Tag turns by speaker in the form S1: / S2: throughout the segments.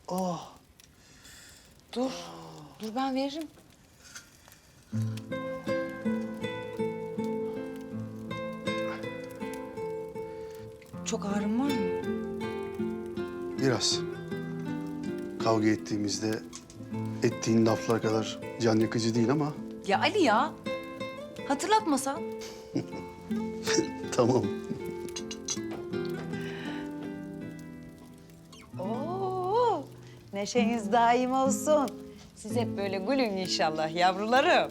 S1: Oh.
S2: Dur. Dur ben veririm. Çok ağrın var mı?
S1: Biraz. Kavga ettiğimizde ettiğin laflar kadar can yakıcı değil ama
S2: Ya Ali ya. Hatırlatmasan.
S1: tamam.
S3: Oo, neşeniz daim olsun. Siz hep böyle gülün inşallah yavrularım.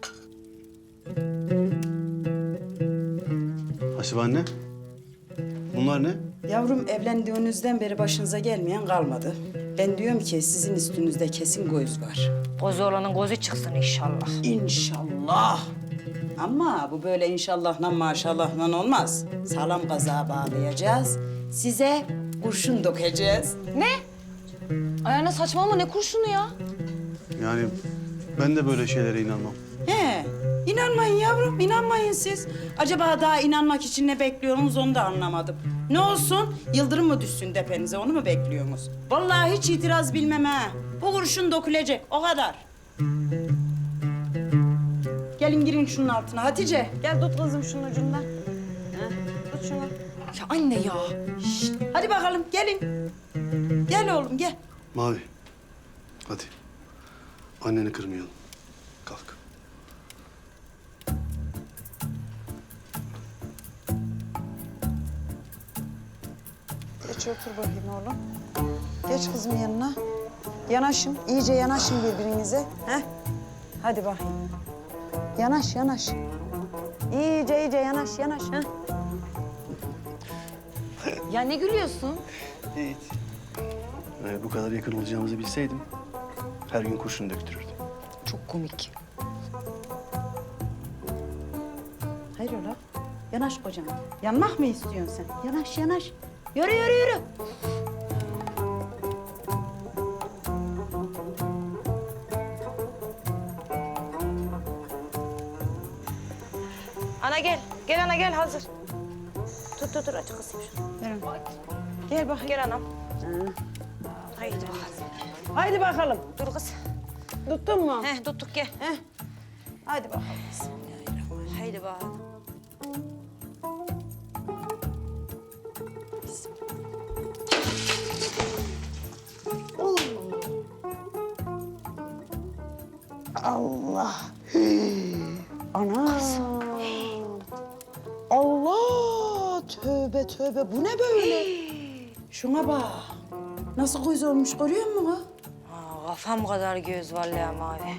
S1: Hasibe anne. Bunlar ne?
S4: Yavrum evlendiğinizden beri başınıza gelmeyen kalmadı. Ben diyorum ki sizin üstünüzde kesin göz var.
S3: Gözü olanın gözü çıksın inşallah.
S4: İnşallah. Ama bu böyle inşallahla maşallahla olmaz. Sağlam kazağa bağlayacağız. Size kurşun dökeceğiz.
S2: Ne? Ayağına saçmalama ne kurşunu ya?
S1: Yani ben de böyle şeylere inanmam.
S4: He, inanmayın yavrum, inanmayın siz. Acaba daha inanmak için ne bekliyorsunuz onu da anlamadım. Ne olsun, yıldırım mı düşsün tepenize onu mu bekliyorsunuz? Vallahi hiç itiraz bilmem ha. Bu kurşun dökülecek, o kadar. Gelin girin şunun altına Hatice. Gel tut kızım şunun ucundan. Heh, tut şunu.
S2: Ya anne ya.
S4: Şişt, hadi bakalım gelin. Gel oğlum gel.
S1: Mavi. Hadi. Anneni kırmayalım. Kalk.
S4: Geç otur bakayım oğlum. Geç kızım yanına. Yanaşın, iyice yanaşın birbirinize. Heh. Hadi bakayım. Yanaş, yanaş. İyice yanaş, yanaş. Heh.
S2: Ya ne gülüyorsun?
S1: Hiç. Bu kadar yakın olacağımızı bilseydim her gün kurşun döktürürdüm.
S2: Çok komik.
S4: Hayrola? Yanaş kocam. Yanmak mı istiyorsun sen? Yanaş, yanaş. Yürü, yürü, yürü.
S3: Ana gel. Gel ana gel hazır. Dur aç kızım şunu.
S4: Verin. Gel bakayım.
S3: Gel anam. Haydi.
S4: Haydi bakalım.
S3: Dur kız.
S4: Tuttun mu?
S3: Heh tuttuk gel.
S4: Heh. Haydi bakalım. Bismillahirrahmanirrahim.
S3: Haydi bakalım.
S4: Allah. Ana. Allah. Tövbe tövbe. Bu ne böyle? Şuna bak. Nasıl göz olmuş görüyor musun?
S3: Aa, kafam kadar göz vallahi mavi.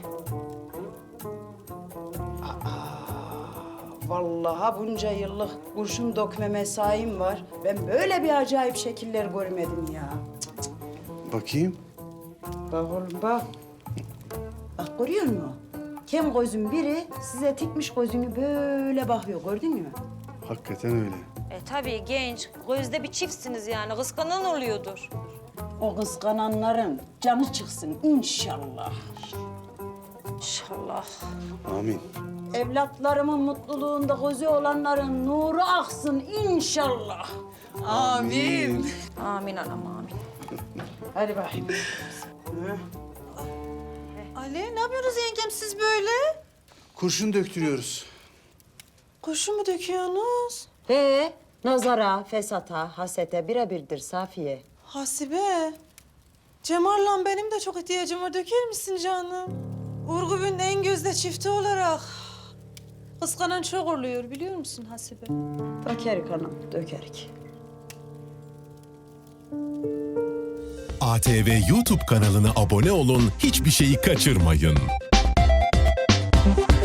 S4: Vallahi bunca yıllık kurşun dökme mesaim var. Ben böyle bir acayip şekiller görmedim ya.
S1: Bakayım.
S4: Bak oğlum bak. Bak görüyor musun? Kem gözün biri size tikmiş gözünü böyle bakıyor gördün mü?
S1: Hakikaten öyle.
S3: Tabii genç. Gözde bir çiftsiniz yani. Kıskanan oluyordur.
S4: O kıskananların canı çıksın inşallah.
S3: İnşallah.
S1: Amin.
S4: Evlatlarımın mutluluğunda gözü olanların nuru aksın inşallah.
S2: Amin.
S3: Amin anam amin.
S4: Hadi bakayım.
S5: Ali ne yapıyorsunuz yengem siz böyle?
S1: Kurşun döktürüyoruz.
S5: Kurşun mu döküyorsunuz?
S4: He, nazara, fesata, hasete birebirdir Safiye.
S5: Hasibe. Cemal'la benim de çok ihtiyacım var. Döker misin canım? Urgub'un en gözde çifti olarak. Kıskanan çok oluyor biliyor musun Hasibe?
S4: Dökerik hanım, dökerik.
S6: ATV YouTube kanalına abone olun, hiçbir şeyi kaçırmayın.